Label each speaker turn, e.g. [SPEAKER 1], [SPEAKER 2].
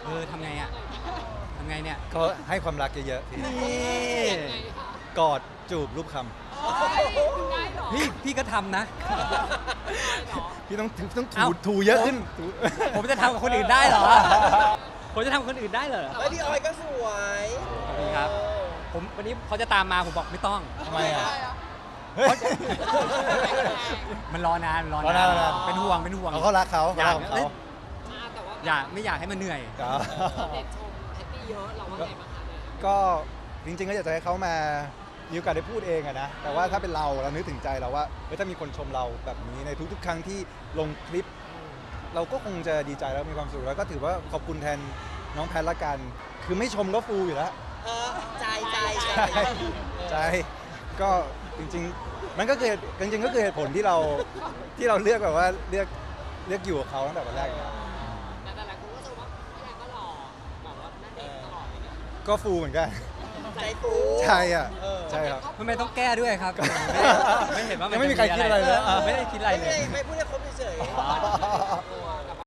[SPEAKER 1] ทำไงอ่ะทำไงเนี่ย
[SPEAKER 2] ก็ให้ความรักเยอะๆพี่
[SPEAKER 1] นี่
[SPEAKER 2] กอดจูบรูปค
[SPEAKER 1] พี่ก็ทำนะ
[SPEAKER 2] ำพี่ต้อง
[SPEAKER 1] เอ้า
[SPEAKER 2] ถูเยอะขึ้นถู
[SPEAKER 1] ผมจะทำกับคนอื่นได้เหรอ ผมจะทำกับคนอื่นได้เหรอ
[SPEAKER 3] แล้วพี่ออยก็สวย
[SPEAKER 1] ขอบคุณครับ ผมวันนี้เขาจะตามมาผมบอกไม่ต้อง
[SPEAKER 2] ทำไมอ่ะเฮ้ย
[SPEAKER 1] มันรอนานมันรอ
[SPEAKER 2] รอนาน
[SPEAKER 1] าน
[SPEAKER 2] รอนาน
[SPEAKER 1] เป็นห่วงเป็นห่วง
[SPEAKER 2] เขารักเขา
[SPEAKER 1] อยาก
[SPEAKER 2] รักของเขา
[SPEAKER 4] แต่ว่า
[SPEAKER 1] ไม่อยากให้มันเหนื่อย
[SPEAKER 2] ครับ
[SPEAKER 4] เด็กชมแพตตี้เยอะเราว่าไงบ้างคะเนี่ย
[SPEAKER 2] ก็จริงๆก็อยากจะให้เขามามีโอกาสได้พูดเองอะนะแต่ว่าถ้าเป็นเรานึกถึงใจเราว่าเฮ้ยถ้ามีคนชมเราแบบนี้ในทุกๆ ครั้งที่ลงคลิป เราก็คงจะดีใจแล้วมีความสุขแล้วก็ถือว่าขอบคุณแทนน้องแพทละกัน คือไม่ชมก็ฟูอยู่แล้ว
[SPEAKER 3] ใจใจ
[SPEAKER 2] ใช่ก็จริงๆมันก็คือจริงๆก็คือเหตุผลที่เราเลือกแบบว่าเลือกอยู่กับเขาตั้งแต่วันแรกอยู่แล้ว
[SPEAKER 4] แต่หลายคนก็ชมว่าพี่แอนก็หล่อแบบว่านั่นเองตลอดเลยเนี่ย
[SPEAKER 2] ก็ฟูเหมือนกัน
[SPEAKER 3] ใจฟู
[SPEAKER 2] ใช่อ่ะใช่ครับ
[SPEAKER 1] ทำไมต้องแก้ด้วยครับ ไม่เห็นว่ามัน
[SPEAKER 2] ยังไม่มีใครคิดอะไรเลย
[SPEAKER 1] ไม่ได้คิดอะไรเลย
[SPEAKER 3] ไม่พูดให้ครบ